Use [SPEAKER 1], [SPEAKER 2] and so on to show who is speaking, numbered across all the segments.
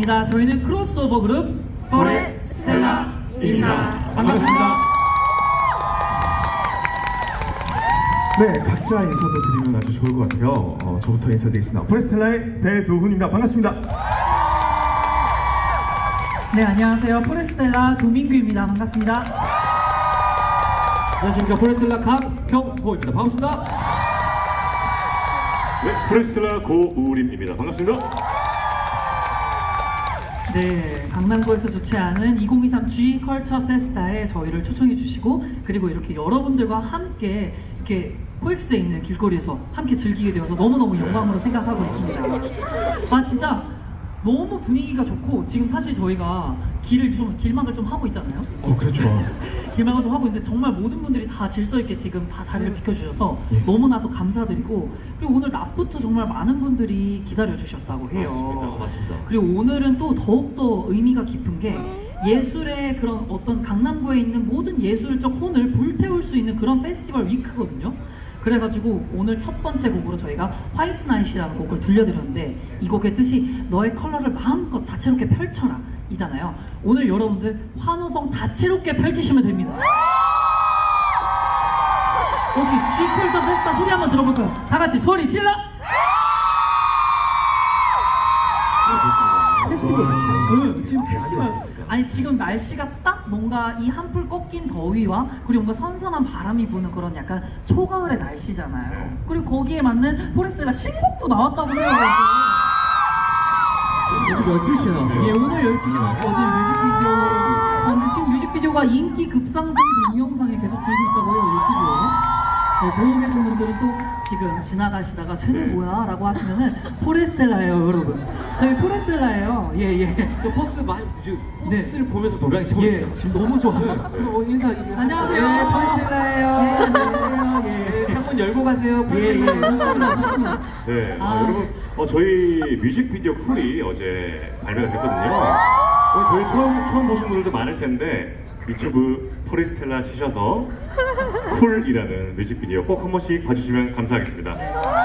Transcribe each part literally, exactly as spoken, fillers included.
[SPEAKER 1] 반갑습니다. 저희는 크로스오버 그룹 포레스텔라입니다. 반갑습니다.
[SPEAKER 2] 네, 각자 인사도 드리면 아주 좋을 것 같아요. 어, 저부터 인사드리겠습니다. 포레스텔라의 배도훈입니다. 반갑습니다.
[SPEAKER 1] 네, 안녕하세요. 포레스텔라 조민규입니다. 반갑습니다.
[SPEAKER 3] 안녕하십니까. 포레스텔라 강평호입니다. 반갑습니다.
[SPEAKER 4] 네, 포레스텔라 고우림입니다. 반갑습니다.
[SPEAKER 1] 네, 강남구에서 주최하는 이천이십삼 G 컬처 페스타에 저희를 초청해 주시고, 그리고 이렇게 여러분들과 함께 이렇게 코엑스에 있는 길거리에서 함께 즐기게 되어서 너무너무 영광으로 생각하고 있습니다. 아, 진짜 너무 분위기가 좋고, 지금 사실 저희가 길을 좀 길막을 좀 하고 있잖아요.
[SPEAKER 2] 어, 그렇죠.
[SPEAKER 1] 길막을 좀 하고 있는데 정말 모든 분들이 다 질서 있게 지금 다 자리를 비켜주셔서
[SPEAKER 2] 예.
[SPEAKER 1] 너무나도 감사드리고, 그리고 오늘 낮부터 정말 많은 분들이 기다려 주셨다고 해요.
[SPEAKER 3] 맞습니다. 맞습니다.
[SPEAKER 1] 그리고 오늘은 또 더욱더 의미가 깊은 게, 예술의 그런 어떤 강남구에 있는 모든 예술적 혼을 불태울 수 있는 그런 페스티벌 위크거든요. 그래가지고 오늘 첫 번째 곡으로 저희가 화이트 나잇이라는 곡을 들려드렸는데, 이 곡의 뜻이 너의 컬러를 마음껏 다채롭게 펼쳐라 이잖아요. 오늘 여러분들 환호성 다채롭게 펼치시면 됩니다. 여기 G컬처 페스타 소리 한번 들어볼까요? 다 같이 소리 질러!
[SPEAKER 2] 페스티벌.
[SPEAKER 1] 응, 지금 페스티벌. 아니, 지금 날씨가 딱 뭔가 이 한풀 꺾인 더위와 그리고 뭔가 선선한 바람이 부는 그런 약간 초가을의 날씨잖아요. 그리고 거기에 맞는 포레스텔라 신곡도 나왔다고 해요.
[SPEAKER 3] 오늘 열두 시에 나왔어요.
[SPEAKER 1] 예, 오늘 열두 시에 나왔거든요, 뮤직비디오. 아, 근데 지금 뮤직비디오가 인기 급상승 동영상에 계속 들고 있다고 해요, 유튜브에. 저 보고 계신 분들은 또 지금 지나가시다가 쟤는 뭐야? 라고 하시면은 포레스텔라예요, 여러분. 저희 포레스텔라예요. 예, 예.
[SPEAKER 3] 저 버스 많이 저
[SPEAKER 1] 네.
[SPEAKER 3] 버스를 보면서 노래하기 처음
[SPEAKER 1] 예, 지금 너무 좋아요.
[SPEAKER 3] 그래서 뭐 인사 이제
[SPEAKER 1] 안녕하세요.
[SPEAKER 3] 예, 포레스텔라예요.
[SPEAKER 1] 예, 안녕하세요. 예.
[SPEAKER 3] 예, 창문 열고 가세요.
[SPEAKER 1] 예, 예, 좋습니다, 좋습니다.
[SPEAKER 4] 네,
[SPEAKER 1] 아.
[SPEAKER 4] 아, 여러분, 어, 저희 뮤직비디오 쿨이 어제 발매가 됐거든요. 어, 저희 처음 처음 보신 분들도 많을 텐데 유튜브 포레스텔라 치셔서 쿨이라는 뮤직비디오 꼭 한 번씩 봐주시면 감사하겠습니다.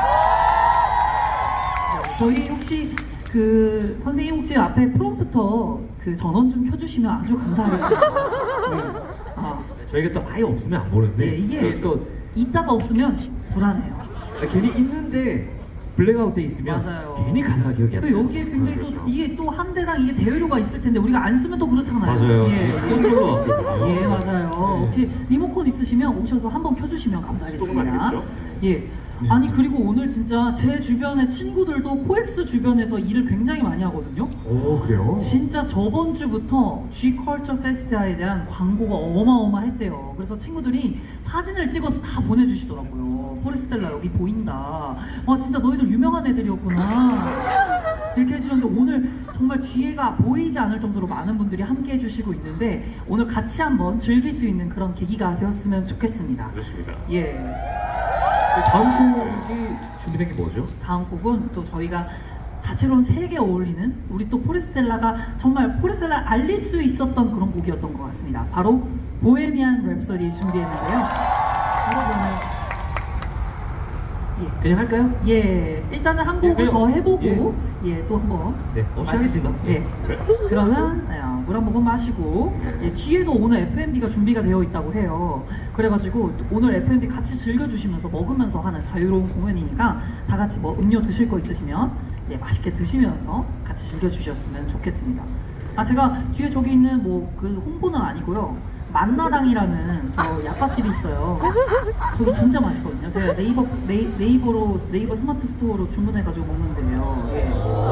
[SPEAKER 1] 저희 혹시 그 선생님 혹시 앞에 프롬프터 그 전원 좀 켜주시면 아주 감사하겠습니다. 네. 아,
[SPEAKER 3] 저희가 또 아예 없으면 안 보는데
[SPEAKER 1] 네, 이게
[SPEAKER 3] 그래서 또
[SPEAKER 1] 있다가 없으면 불안해요.
[SPEAKER 3] 괜히 있는데 블랙아웃 돼 있으면
[SPEAKER 1] 맞아요.
[SPEAKER 3] 괜히 가사가 기억이 안
[SPEAKER 1] 또
[SPEAKER 3] 나요.
[SPEAKER 1] 여기에 굉장히 또
[SPEAKER 4] 그렇죠.
[SPEAKER 1] 이게 또 한 대당 이게 대여료가 있을 텐데 우리가 안 쓰면 또 그렇잖아요.
[SPEAKER 3] 맞아요.
[SPEAKER 1] 예,
[SPEAKER 3] 쓰는 거 같거든요.
[SPEAKER 1] 예, 맞아요. 혹시 리모컨 있으시면 오셔서 한번 켜주시면
[SPEAKER 4] 조금
[SPEAKER 1] 감사하겠습니다.
[SPEAKER 4] 아니겠죠?
[SPEAKER 1] 예. 아니, 그리고 오늘 진짜 제 주변의 친구들도 코엑스 주변에서 일을 굉장히 많이 하거든요.
[SPEAKER 2] 오, 그래요?
[SPEAKER 1] 진짜 저번 주부터 G 컬처 페스티벌에 대한 광고가 어마어마했대요. 그래서 친구들이 사진을 찍어서 다 보내주시더라고요. 포레스텔라 여기 보인다. 와, 진짜 너희들 유명한 애들이었구나. 이렇게 해주셨는데, 오늘 정말 뒤에가 보이지 않을 정도로 많은 분들이 함께 해주시고 있는데, 오늘 같이 한번 즐길 수 있는 그런 계기가 되었으면 좋겠습니다.
[SPEAKER 4] 그렇습니다.
[SPEAKER 1] 예.
[SPEAKER 3] 다음 곡이 준비된 게 뭐죠?
[SPEAKER 1] 다음 곡은 또 저희가 다채로운 색에 어울리는, 우리 또 포레스텔라가 정말 포레스텔라를 알릴 수 있었던 그런 곡이었던 것 같습니다. 바로 보헤미안 랩소디 준비했는데요. 여러분은 예,
[SPEAKER 3] 그냥 할까요?
[SPEAKER 1] 예, 일단은 한 곡을
[SPEAKER 3] 예,
[SPEAKER 1] 더 해보고
[SPEAKER 3] 예.
[SPEAKER 1] 예, 또 한번
[SPEAKER 3] 네, 없이 하겠습니다.
[SPEAKER 1] 예. 그러면 어, 물 한 모금 마시고, 예, 뒤에도 오늘 에프엠비가 준비가 되어 있다고 해요. 그래가지고 오늘 에프엠비 같이 즐겨주시면서 먹으면서 하는 자유로운 공연이니까 다 같이 뭐 음료 드실 거 있으시면 예, 맛있게 드시면서 같이 즐겨주셨으면 좋겠습니다. 아, 제가 뒤에 저기 있는 뭐 그 홍보는 아니고요. 만나당이라는 저 약밥집이 있어요. 저기 진짜 맛있거든요. 제가 네이버 네이, 네이버로 네이버 스마트 스토어로 주문해가지고 먹는데요. 예.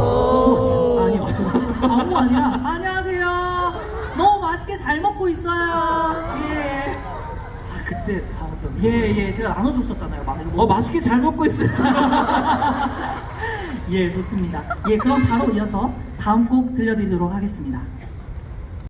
[SPEAKER 1] 홍보 아니에요? 아니요, 저 아, 홍보 아니라 안녕하세요. 너무 맛있게 잘 먹고 있어요. 예.
[SPEAKER 3] 아, 그때 사왔던
[SPEAKER 1] 예, 예, 제가 나눠줬었잖아요. 막 이거
[SPEAKER 3] 어, 맛있게 잘 먹고 있어요.
[SPEAKER 1] 예, 좋습니다. 예, 그럼 바로 이어서 다음 곡 들려드리도록 하겠습니다.